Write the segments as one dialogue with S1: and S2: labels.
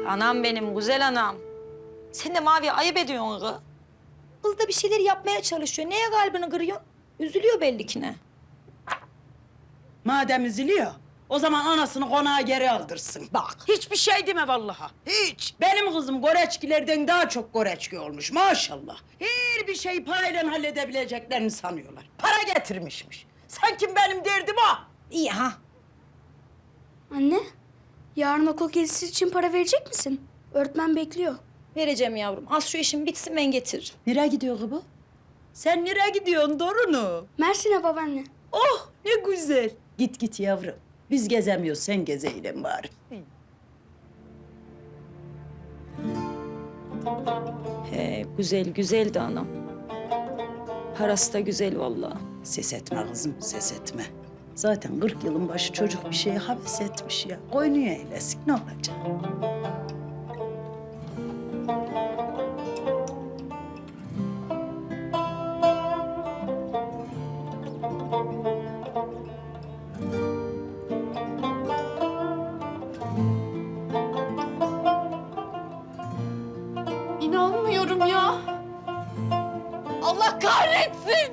S1: Anam benim, güzel anam. Sen de Mavi'ye ayıp ediyorsun kız. Kız da bir şeyler yapmaya çalışıyor. Neye kalbini kırıyorsun? Üzülüyor belli ki ne.
S2: Madem üzülüyor, o zaman anasını konağa geri aldırsın. Bak, hiçbir şey deme vallahi. Hiç. Benim kızım goreçkilerden daha çok goreçki olmuş maşallah. Her bir şeyi parayla halledebileceklerini sanıyorlar. Para getirmişmiş. Sanki benim derdim o.
S1: İyi ha.
S3: Anne, yarın okul gezisi için para verecek misin? Öğretmen bekliyor.
S1: Vereceğim yavrum. Az şu işim bitsin ben getiririm.
S2: Nereye gidiyor bu? Sen nereye gidiyorsun Dorunu?
S3: Mersin'e babaanne.
S2: Oh ne güzel. Git git yavrum. Biz gezemiyoruz, sen gezeyle bari.
S1: He güzel güzel de anam. Parası da güzel vallahi.
S2: Ses etme kızım, ses etme. Zaten 40 yılın başı çocuk bir şeye heves etmiş ya. Oynuyor eylesin, ne olacak?
S4: İnanmıyorum ya. Allah kahretsin.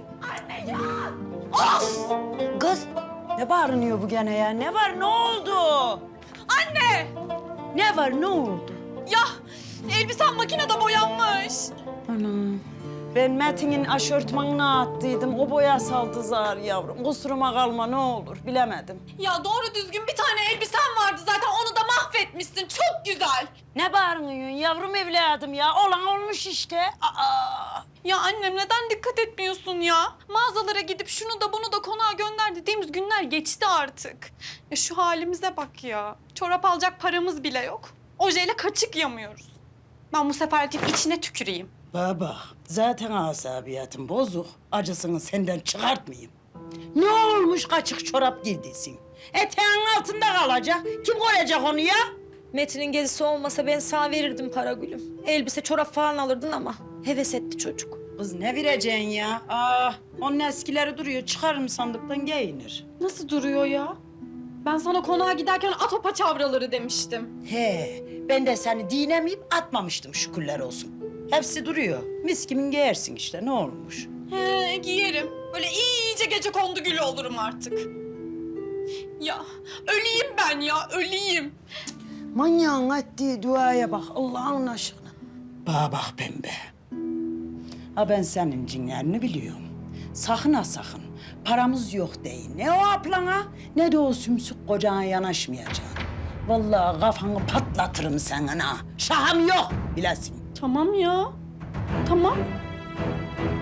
S2: Kız, ne bağırınıyor bu gene ya? Ne var, ne oldu?
S4: Anne!
S2: Ne var, ne oldu?
S4: Ya elbisen makinede boyanmış.
S2: Anam. Ben Metin'in aşörtmanına attıydım. O boya saldı zar yavrum. Kusuruma kalma ne olur, bilemedim.
S4: Ya doğru düzgün bir tane elbisen vardı zaten onu da mahvetmişsin. Çok güzel.
S2: Ne bağırıyorsun yavrum evladım ya? Olan olmuş işte. Aa!
S4: Ya annem neden dikkat etmiyorsun ya? Mağazalara gidip şunu da bunu da konağa gönder dediğimiz günler geçti artık. Ya şu halimize bak ya. Çorap alacak paramız bile yok. Ojeyle kaçık yamıyoruz. Ben bu sefer gidip içine tüküreyim.
S2: Baba, zaten asabiyatım bozuk. Acısını senden çıkartmayayım. Ne olmuş kaçık çorap giydiysin? Eteğin altında kalacak. Kim koyacak onu ya?
S1: Metin'in gezisi olmasa ben sağ verirdim para gülüm. Elbise, çorap falan alırdın ama heves etti çocuk.
S2: Kız ne vereceksin ya? Onun eskileri duruyor. Çıkarırım sandıktan giyinir.
S4: Nasıl duruyor ya? Ben sana konağa giderken at o paçavraları demiştim.
S2: He, ben de seni dinemeyip atmamıştım şükürler olsun. Hepsi duruyor. Mis kimin giyersin işte ne olmuş?
S4: He, giyerim. Böyle iyice gece kondu gülü olurum artık. Ya öleyim ben ya, öleyim.
S2: Manyağın ettiği duaya bak Allah'ın aşkına. Bana bak pembe. Ha ben senin cinlerini biliyorum. Sakın ha sakın. Paramız yok değil. Ne o ablana ne de o sümsük kocana yanaşmayacaksın. Vallahi kafanı patlatırım senin ha. Şahım yok bilesin.
S4: Tamam ya, tamam.